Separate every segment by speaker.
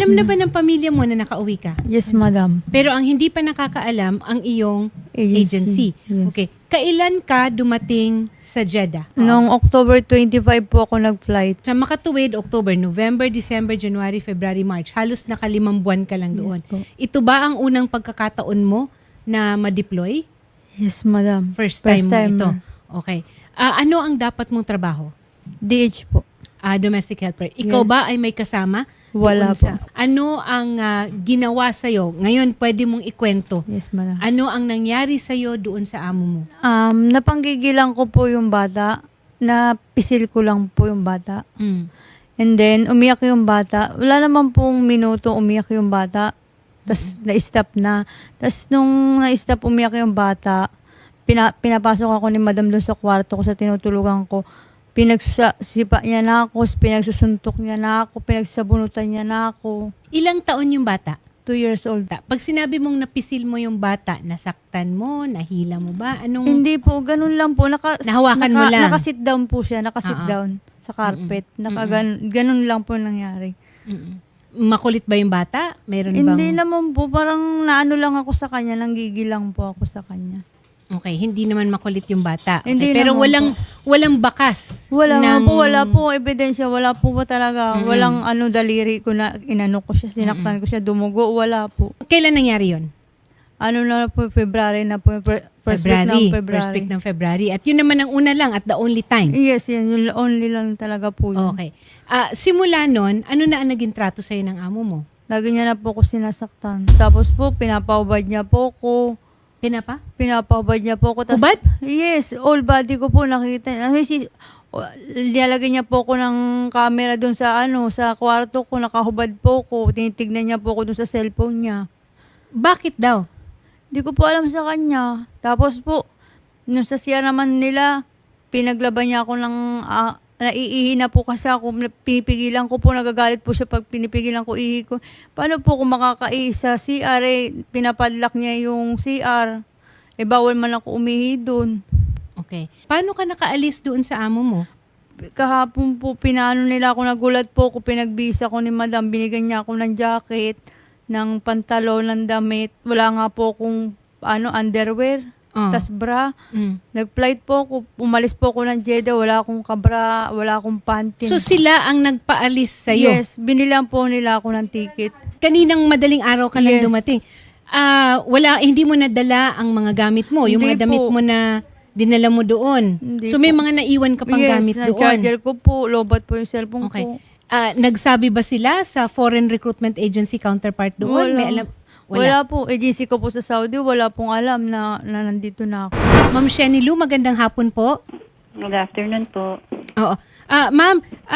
Speaker 1: Alam na ba ng pamilya mo na nakauwi ka?
Speaker 2: Yes, madam.
Speaker 1: Pero ang hindi pa nakakaalam, ang iyong agency.
Speaker 2: Yes.
Speaker 1: Okay. Kailan ka dumating sa Jeddah?
Speaker 2: Noong October 25 po ako nag-flight.
Speaker 1: Sa makatuwid, October, November, December, January, February, March. Halos nakalimang buwan ka lang doon.
Speaker 2: Yes po.
Speaker 1: Ito ba ang unang pagkakataon mo na ma-deploy?
Speaker 2: Yes, madam.
Speaker 1: First time mo ito?
Speaker 2: ma'am.
Speaker 1: Okay. Ano ang dapat mong trabaho?
Speaker 2: DH po.
Speaker 1: Domestic helper. Ikaw
Speaker 2: Yes.
Speaker 1: ba ay may kasama?
Speaker 2: Wala
Speaker 1: Doon sa- Ano ang ginawa sa'yo? Ngayon, pwede mong ikwento.
Speaker 2: Yes, madam.
Speaker 1: Ano ang nangyari sa'yo doon sa amo mo?
Speaker 2: Napanggigilan ko po yung bata. Napisil ko lang po yung bata.
Speaker 1: Mm.
Speaker 2: And then, umiyak yung bata. Wala naman pong minuto umiyak yung bata. Tapos, na-stop na. Tapos, nung na-stop umiyak yung bata, pinapasok ako ni madam doon sa kwarto ko sa tinutulugan ko. Pinagsipa niya na ako, pinagsusuntok niya na ako, pinagsabunutan niya na ako.
Speaker 1: Ilang taon yung bata?
Speaker 2: 2 years old.
Speaker 1: Pag sinabi mong napisil mo yung bata, nasaktan mo, nahila mo ba? Anong...
Speaker 2: Hindi po, ganun lang po.
Speaker 1: Nahawakan mo lang?
Speaker 2: Nakasit down po siya, nakasit down sa carpet. Ganun lang po nangyari.
Speaker 1: Mm-mm. Makulit ba yung bata? Meron
Speaker 2: Hindi
Speaker 1: bang...
Speaker 2: naman po, parang naano lang ako sa kanya, nanggigilang po ako sa kanya.
Speaker 1: Okay, hindi naman makulit yung bata. Okay,
Speaker 2: Hindi
Speaker 1: pero
Speaker 2: naman
Speaker 1: walang bakas.
Speaker 2: Wala
Speaker 1: ng...
Speaker 2: wala po ebidensya, wala po ba talaga, walang daliri ko na inano ko siya, sinaktan ko siya, dumugo, wala po.
Speaker 1: Kailan nangyari yun?
Speaker 2: Ano na po, February na po, first week ng February.
Speaker 1: First week ng February. At yun naman ang una lang at the only time.
Speaker 2: Yes, yan, yung only lang talaga po yun.
Speaker 1: Okay. Simula nun, ano na ang naging trato sa'yo ng amo mo?
Speaker 2: Lagi niya na po ko sinasaktan. Tapos po, pinapaubad niya po ko. Pinapahubad niya po ko.
Speaker 1: Hubad?
Speaker 2: Yes, all body ko po nakita. Nilalagay niya po ko ng camera doon sa sa kwarto ko, nakahubad po ko. Tinitignan niya po ko doon sa cellphone niya.
Speaker 1: Bakit daw?
Speaker 2: Hindi ko po alam sa kanya. Tapos po, nung sa siya naman nila, pinaglaban niya ako ng naiihi na po kasi ako, pinipigilan ko po, nagagalit po siya pag pinipigilan ko ihi ko. Paano po kung makakaihi sa CR, pinapadlock niya yung CR. Bawal man ako umihi doon.
Speaker 1: Okay. Paano ka nakaalis doon sa amo mo?
Speaker 2: Kahapon po, pinano nila ako, nagulat po ako, pinagbisa ko ni madam, binigyan niya ako ng jacket, ng pantalon, ng damit. Wala nga po akong underwear. Tas bra. Nag-flight po ako. Umalis po ako ng Jeddah. Wala akong kabra. Wala akong panty.
Speaker 1: So sila ang nagpaalis sa'yo?
Speaker 2: Yes. Binilang po nila ako ng ticket.
Speaker 1: Kaninang madaling araw ka lang
Speaker 2: Yes.
Speaker 1: dumating. Hindi mo nadala ang mga gamit mo. Yung
Speaker 2: Hindi
Speaker 1: mga damit
Speaker 2: po.
Speaker 1: mo na dinala mo doon.
Speaker 2: Hindi
Speaker 1: So
Speaker 2: po.
Speaker 1: may mga naiwan ka pang gamit
Speaker 2: Yes,
Speaker 1: doon.
Speaker 2: charger ko po. Lobat po yung cellphone
Speaker 1: Okay.
Speaker 2: ko.
Speaker 1: Nagsabi ba sila sa foreign recruitment agency counterpart doon?
Speaker 2: Wala.
Speaker 1: May alam?
Speaker 2: Wala po. Agency ko po sa Saudi, wala pong alam na nandito na ako.
Speaker 1: Ma'am Sheni Lu, magandang hapon po.
Speaker 3: Good afternoon po.
Speaker 1: Oo. Ma'am,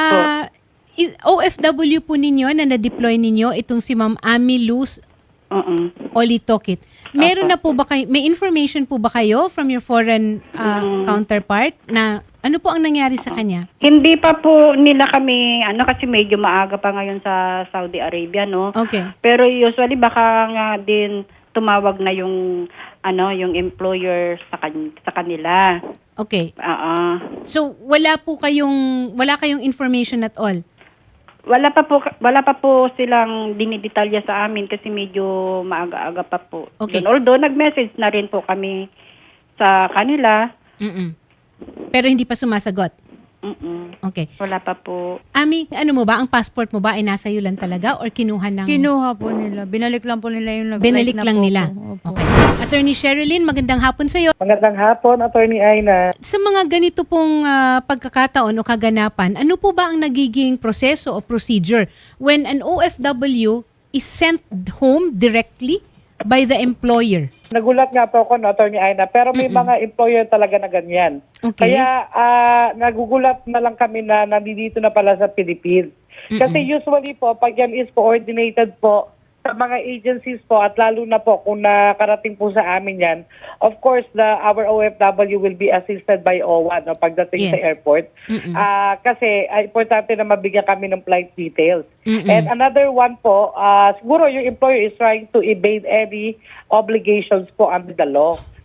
Speaker 1: OFW po ninyo na na-deploy ninyo itong si Ma'am Ami Luz Olitokit. Meron na po ba kayo, may information po ba kayo from your foreign counterpart na ano po ang nangyari sa kanya?
Speaker 3: Hindi pa po nila kami, kasi medyo maaga pa ngayon sa Saudi Arabia, no?
Speaker 1: Okay.
Speaker 3: Pero usually baka nga din tumawag na yung, yung employer sa kanila.
Speaker 1: Okay.
Speaker 3: Oo.
Speaker 1: So, wala kayong information at all?
Speaker 3: Wala pa po silang dinidetalya sa amin kasi medyo maaga-aga pa po.
Speaker 1: Okay.
Speaker 3: Yun. Although nag-message na rin po kami sa kanila.
Speaker 1: Pero hindi pa sumasagot? Okay.
Speaker 3: Wala pa po.
Speaker 1: Ami, ano mo ba? Ang passport mo ba ay nasa iyo lang talaga or kinuha ng...
Speaker 2: Kinuha po nila. Binalik lang po nila yung
Speaker 1: Binalik
Speaker 2: na
Speaker 1: lang
Speaker 2: po
Speaker 1: nila.
Speaker 2: ko. Opo.
Speaker 1: Okay. Attorney Sherilyn, magandang hapon sa iyo.
Speaker 4: Magandang hapon, Attorney Aina.
Speaker 1: Sa mga ganito pong pagkakataon o kaganapan, ano po ba ang nagiging proseso o procedure when an OFW is sent home directly by the employer?
Speaker 4: Nagulat nga po ako, no, Attorney Aina, pero may mga employer talaga na ganyan.
Speaker 1: Okay.
Speaker 4: Kaya nagugulat na lang kami na nandito na pala sa Philippines. Kasi usually po, pag yan is coordinated po sa mga agencies po at lalo na po kung nakarating po sa amin yan, of course, our OFW will be assisted by OWA no, pagdating sa airport. Kasi importante na mabigyan kami ng flight details. And another one po, siguro yung employer is trying to evade any obligations po under the law.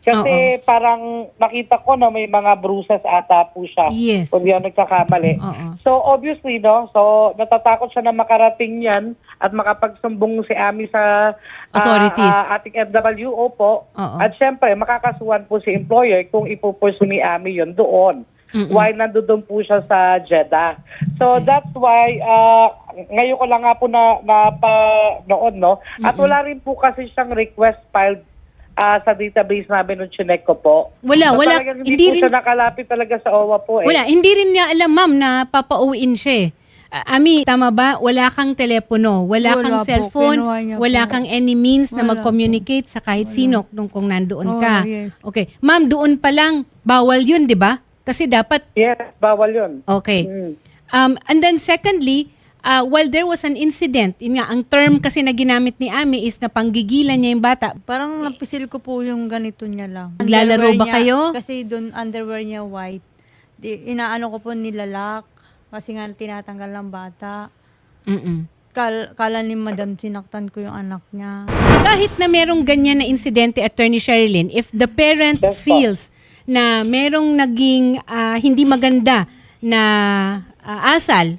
Speaker 4: Kasi parang nakita ko na may mga bruises ata po siya.
Speaker 1: Yes.
Speaker 4: Kung di ako nagkakamali.
Speaker 1: Oo.
Speaker 4: So obviously, no, so natatakot siya na makarating yan at makapagsumbong si Ami sa
Speaker 1: Authorities.
Speaker 4: ating FWO po.
Speaker 1: Oo.
Speaker 4: At syempre, makakasuhan po si employer kung ipupursu ni Ami yun doon. While nandoon po siya sa Jeddah. So that's why ngayon ko lang nga po na noon, no? At wala rin po kasi siyang request filed sa database namin nung chinek ko po.
Speaker 1: Wala.
Speaker 4: Talagang hindi po siya nakalapit talaga sa OWA po eh.
Speaker 1: Wala, hindi rin niya alam, ma'am, na papauwiin siya. Ami, tama ba? Wala kang telepono, wala kang
Speaker 2: po,
Speaker 1: cellphone,
Speaker 2: kinuha niya
Speaker 1: wala
Speaker 2: po.
Speaker 1: kang any means na
Speaker 2: Wala
Speaker 1: mag-communicate sa kahit sino kung nandoon ka.
Speaker 2: Yes.
Speaker 1: Okay. Ma'am, doon pa lang, bawal yun, di ba? Kasi dapat,
Speaker 4: Yes, bawal yun.
Speaker 1: okay. And then secondly, while there was an incident, yun nga, ang term kasi na ginamit ni Ami is na panggigilan niya yung bata.
Speaker 2: Parang napisil ko po yung ganito niya lang.
Speaker 1: Naglalaro
Speaker 2: Underwear
Speaker 1: ba
Speaker 2: niya,
Speaker 1: kayo?
Speaker 2: Kasi doon underwear niya white. Inaano ko po nilalak kasi nga tinatanggal ng bata.
Speaker 1: Mm-mm.
Speaker 2: Kala ni Madam sinaktan ko yung anak niya.
Speaker 1: Kahit na merong ganyan na insidente, Attorney Sherilyn, if the parent
Speaker 4: Yes, po.
Speaker 1: feels na merong naging hindi maganda na asal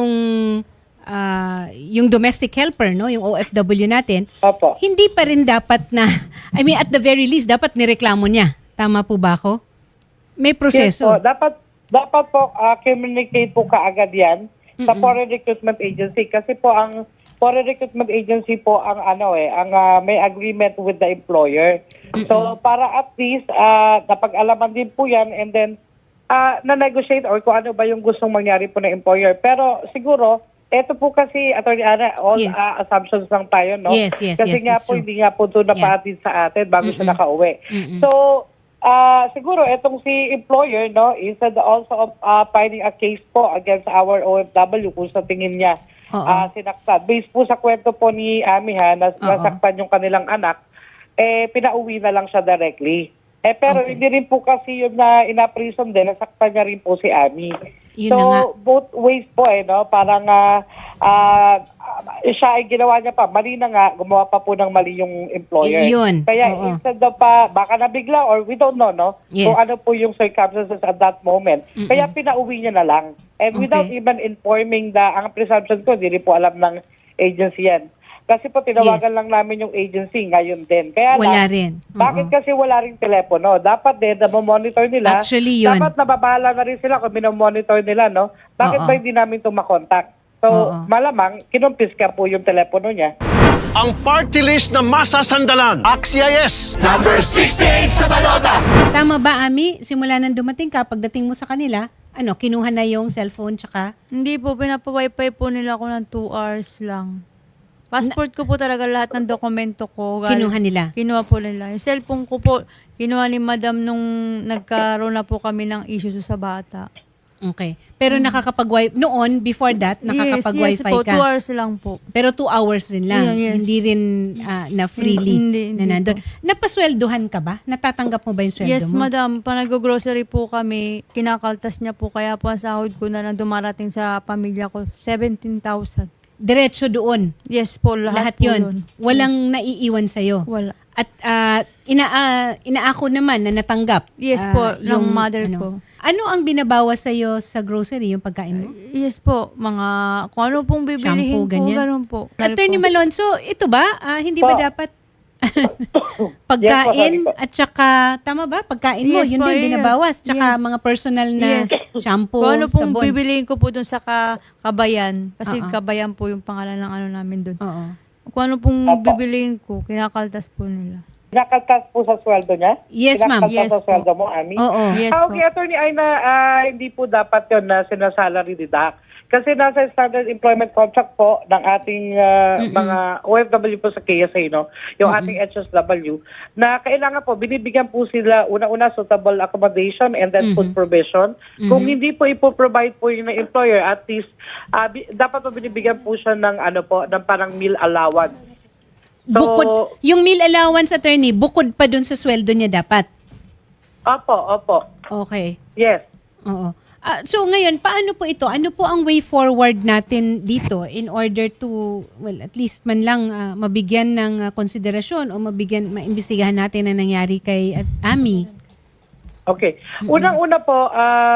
Speaker 1: yung domestic helper, no, yung OFW natin,
Speaker 4: Opo.
Speaker 1: hindi pa rin dapat na, I mean, at the very least, dapat nireklamo niya. Tama po ba ako? May
Speaker 4: Yes
Speaker 1: proseso.
Speaker 4: po, dapat po communicate po kaagad yan sa Foreign Recruitment Agency kasi po ang Foreign Recruitment Agency po ang may agreement with the employer. So para at least napag-alaman din po yan and then na-negotiate or kung ano ba yung gustong mangyari po ng employer. Pero siguro, eto po kasi, Attorney Ana, all
Speaker 1: Yes.
Speaker 4: assumptions lang tayo, no?
Speaker 1: Yes,
Speaker 4: Kasi nga
Speaker 1: that's
Speaker 4: po,
Speaker 1: true.
Speaker 4: hindi nga po ito napahatid sa atin bago siya nakauwi. So, siguro, etong si employer, no, instead also of filing a case po against our OFW kung sa tingin niya sinaktan. Based po sa kwento po ni Ami nasaktan yung kanilang anak, pinauwi na lang siya directly. Pero hindi rin po kasi yun na ina-prison din, nasaktan niya rin po si Ami.
Speaker 1: Yun
Speaker 4: So,
Speaker 1: na nga.
Speaker 4: both ways po no? Parang siya ay ginawa niya pa. Mali na nga, gumawa pa po ng mali yung employer.
Speaker 1: Yun,
Speaker 4: Kaya
Speaker 1: oo.
Speaker 4: instead of baka nabigla or we don't know, no?
Speaker 1: Yes.
Speaker 4: Kung ano po yung circumstances at that moment. Kaya pinauwi niya na lang. And without even informing ang presumption ko, hindi rin po alam ng agency yan. Kasi po tinawagan
Speaker 1: Yes.
Speaker 4: lang namin yung agency ngayon din. Kaya
Speaker 1: Wala
Speaker 4: lang,
Speaker 1: rin.
Speaker 4: bakit kasi wala rin telepono? Dapat din, monitor nila.
Speaker 1: Actually, yun.
Speaker 4: Dapat nababahala na rin sila kung minomonitor nila, no? Bakit
Speaker 1: Oo.
Speaker 4: ba hindi namin ito makontakt? So,
Speaker 1: Oo.
Speaker 4: malamang, kinumpis ka po yung telepono niya.
Speaker 5: Ang party list na masasandalan. AXIS!
Speaker 1: Tama ba, Ami? Simula nang dumating ka, pagdating mo sa kanila, kinuha na yung cellphone tsaka
Speaker 2: Hindi po, pinapa-wifi po nila ako ng 2 hours lang. Passport ko po talaga lahat ng dokumento ko.
Speaker 1: Kinuha nila?
Speaker 2: Kinuha po nila. Yung cellphone ko po, kinuha ni Madam nung nagkaroon na po kami ng issue sa bata.
Speaker 1: Okay. Pero nakakapag-wifi, noon, before that, nakakapag-wifi
Speaker 2: yes po,
Speaker 1: ka.
Speaker 2: 2 hours lang po.
Speaker 1: Pero 2 hours rin lang.
Speaker 2: Yeah, yes.
Speaker 1: Hindi rin na freely
Speaker 2: Hindi
Speaker 1: na nandun. Napasweldohan ka ba? Natatanggap mo ba yung sweldo
Speaker 2: Yes,
Speaker 1: mo?
Speaker 2: Madam. Pa nag-grocery po kami, kinakaltas niya po. Kaya po ang sahod ko na lang dumarating sa pamilya ko, 17,000.
Speaker 1: Diretso doon.
Speaker 2: Yes po, lahat po
Speaker 1: yun. Walang naiiwan sa'yo.
Speaker 2: Wala.
Speaker 1: At inaako naman na natanggap.
Speaker 2: Yes po, ng mother ko.
Speaker 1: Ano ang binabawa sa'yo sa grocery, yung pagkain mo?
Speaker 2: Yes po, kung ano pong bibilihin
Speaker 1: Shampoo,
Speaker 2: po,
Speaker 1: ganyan?
Speaker 2: ganun po.
Speaker 1: Attorney
Speaker 2: Po.
Speaker 1: Malonzo, ito ba? Hindi ba
Speaker 4: Po.
Speaker 1: dapat pagkain
Speaker 4: Yes po, sorry po.
Speaker 1: at saka, tama ba? Pagkain mo,
Speaker 2: Yes
Speaker 1: yun
Speaker 2: po,
Speaker 1: din
Speaker 2: yes.
Speaker 1: binabawas. Tsaka
Speaker 2: Yes.
Speaker 1: mga personal na
Speaker 2: Yes.
Speaker 1: shampoo,
Speaker 2: Kung ano pong
Speaker 1: sabon.
Speaker 2: bibilihin ko po dun sa Kabayan, kasi
Speaker 1: Oo.
Speaker 2: Kabayan po yung pangalan ng namin dun.
Speaker 1: Oo.
Speaker 2: Kung ano pong
Speaker 4: Opo.
Speaker 2: bibilihin ko, kinakaltas po nila.
Speaker 4: Kinakaltas po sa sweldo niya?
Speaker 1: Yes, ma'am.
Speaker 4: Kinakaltas
Speaker 2: Yes
Speaker 4: sa
Speaker 2: po.
Speaker 4: sweldo mo, Ami?
Speaker 1: Oo.
Speaker 2: Yes
Speaker 4: Okay,
Speaker 2: po.
Speaker 4: Attorney Aina, hindi po dapat yun na sinasalary deduct. Kasi nasa standard employment contract po ng ating mga OFW po sa KSA, no? Yung ating HSW, na kailangan po, binibigyan po sila una-una suitable accommodation and then food provision. Kung hindi po ipoprovide po yung employer, at least dapat po binibigyan po siya ng ng parang meal allowance. So,
Speaker 1: Bukod, yung meal allowance, attorney, bukod pa dun sa sweldo niya dapat.
Speaker 4: Opo.
Speaker 1: Okay.
Speaker 4: Yes.
Speaker 1: Oo. So ngayon, paano po ito? Ano po ang way forward natin dito in order to, well, at least man lang mabigyan ng konsiderasyon o maimbestigahan natin na nangyari kay Ami?
Speaker 4: Okay. Unang-una po,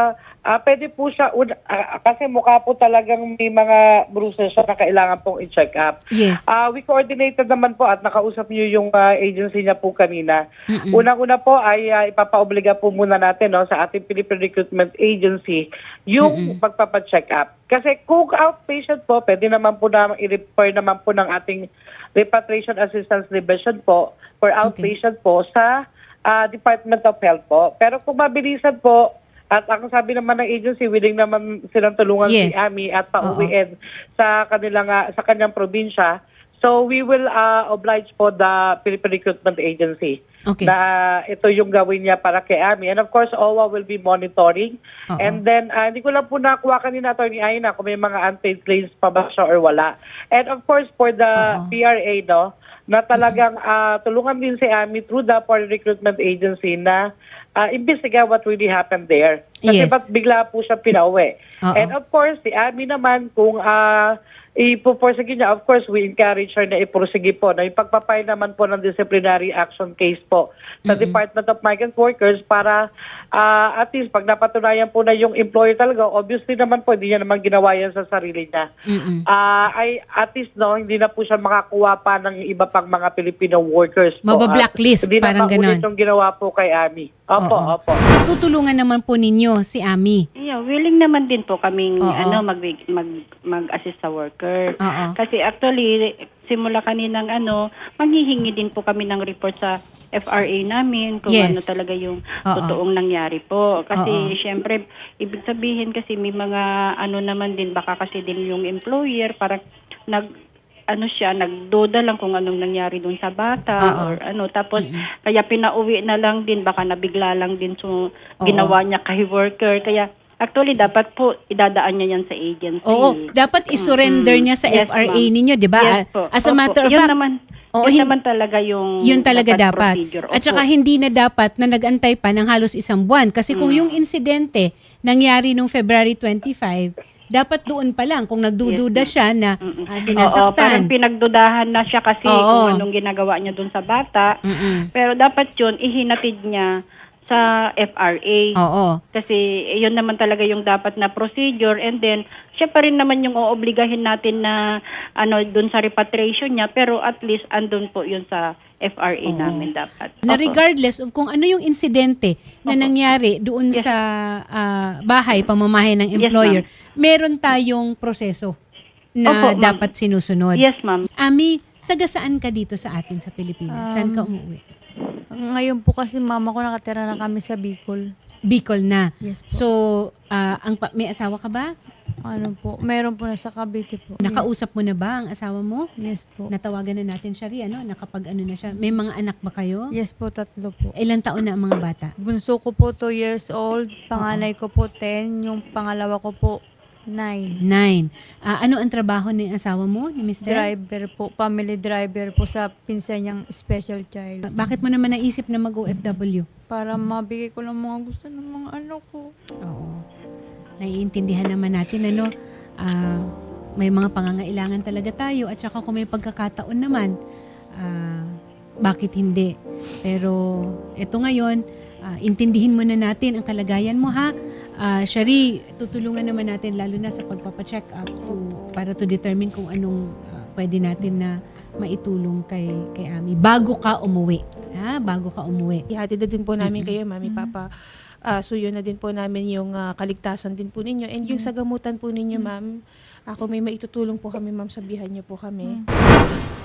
Speaker 4: pwede po siya, kasi mukha po talagang may mga bruises siya na kailangan pong i-check up.
Speaker 1: Yes.
Speaker 4: We coordinated naman po at nakausap niyo yung agency niya po kanina. Unang-una po ay ipapaobliga po muna natin sa ating Philippine Recruitment Agency yung pagpapacheck up. Kasi kung outpatient po, pwede naman po na i-refer naman po ng ating Repatriation Assistance Division po for outpatient po sa Department of Health po. Pero kung mabilisan po, at ang sabi naman ng agency, willing naman silang tulungan si Ami at pauwiin sa kanyang probinsya. So we will oblige po the Philippine Recruitment Agency na ito yung gawin niya para kay Ami. And of course, OWA will be monitoring. And then, hindi ko lang po nakuha kanina, Atty. Aina, kung may mga unpaid claims pa ba siya or wala. And of course, for the PRA, na talagang tulungan din si Ami through the Foreign Recruitment Agency na imbestiga what really happened there. Kasi ba't bigla po siya pinauwi. And of course, si Ami naman, kung ipuporsige niya, of course, we encourage her na ipursige po na ipagpapay naman po ng disciplinary action case po sa Department of Migrant Workers para at least pag napatunayan po na yung employer talaga, obviously naman po, hindi niya naman ginawa yan sa sarili niya. Ay at least hindi na po siya makakuha pa ng iba pang mga Filipino workers po.
Speaker 1: Mabablacklist, parang ganon.
Speaker 4: Hindi na yung ginawa po kay Ami. Opo.
Speaker 1: Tutulungan naman po ninyo si Ami.
Speaker 3: Yeah, willing naman din po kaming mag-assist sa worker. Kasi actually simula kaninang manghihingi din po kami ng report sa FRA namin kung ano talaga yung totoong nangyari po. Kasi syempre ibig sabihin kasi may mga naman din baka kasi din yung employer parang nagduda lang kung anong nangyari doon sa bata or tapos kaya pinauwi na lang din baka nabigla lang din so ginawa niya kay worker kaya actually dapat po idadaan niya yan sa agency.
Speaker 1: Dapat isurrender niya sa FRA ninyo, 'di ba?
Speaker 3: Yes, po.
Speaker 1: As a matter of fact,
Speaker 3: yun naman talaga yung
Speaker 1: talaga dapat.
Speaker 3: procedure.
Speaker 1: At saka hindi na dapat na nag-antay pa ng halos isang buwan kasi kung yung insidente nangyari nung February 25, dapat doon pa lang kung nagdududa siya na sinasaktan.
Speaker 3: Parang pinagdudahan na siya kasi kung anong ginagawa niya doon sa bata. Pero dapat yun, ihinatid niya sa FRA. Kasi yun naman talaga yung dapat na procedure and then siya pa rin naman yung oobligahin natin na doon sa repatriation niya pero at least andun po yun sa FRA namin dapat.
Speaker 1: Na regardless of kung ano yung insidente na nangyari doon sa bahay, pamamahay ng employer, meron tayong proseso na dapat sinusunod.
Speaker 3: Yes, ma'am.
Speaker 1: Ami, taga saan ka dito sa atin sa Pilipinas? Saan ka umuwi?
Speaker 2: Ngayon po kasi mama ko nakatira na kami sa Bicol.
Speaker 1: Bicol na.
Speaker 2: Yes po.
Speaker 1: So, may asawa ka ba?
Speaker 2: Meron po na sa Cavite po.
Speaker 1: Nakausap mo na ba ang asawa mo?
Speaker 2: Yes po.
Speaker 1: Natawagan na natin siya rin, nakapag na siya. May mga anak ba kayo?
Speaker 2: Yes po, 3 po.
Speaker 1: Ilang taon na ang mga bata?
Speaker 2: Bunso ko po 2 years old, panganay ko po 10, yung pangalawa ko po 9.
Speaker 1: 9. Ano ang trabaho ni asawa mo, ni Mr.?
Speaker 2: Driver po, family driver po sa pinsan niyang special child.
Speaker 1: Bakit mo naman naisip na mag-OFW?
Speaker 2: Para mabigay ko lang mga gusto ng mga anak ko.
Speaker 1: Oo. Naiintindihan naman natin, may mga pangangailangan talaga tayo at saka kung may pagkakataon naman, bakit hindi? Pero ito ngayon, intindihin muna natin ang kalagayan mo ha. Shari, tutulungan naman natin lalo na sa pagpapacheck up para to determine kung anong pwede natin na maitulong kay Ami bago ka umuwi. Ha? Bago ka umuwi.
Speaker 6: Ihatid na din po namin kayo, Mami, Papa. Suyo na din po namin yung kaligtasan din po ninyo. And yung sa gamutan po ninyo, ma'am, ako may maitutulong po kami, ma'am, sabihan niyo po kami.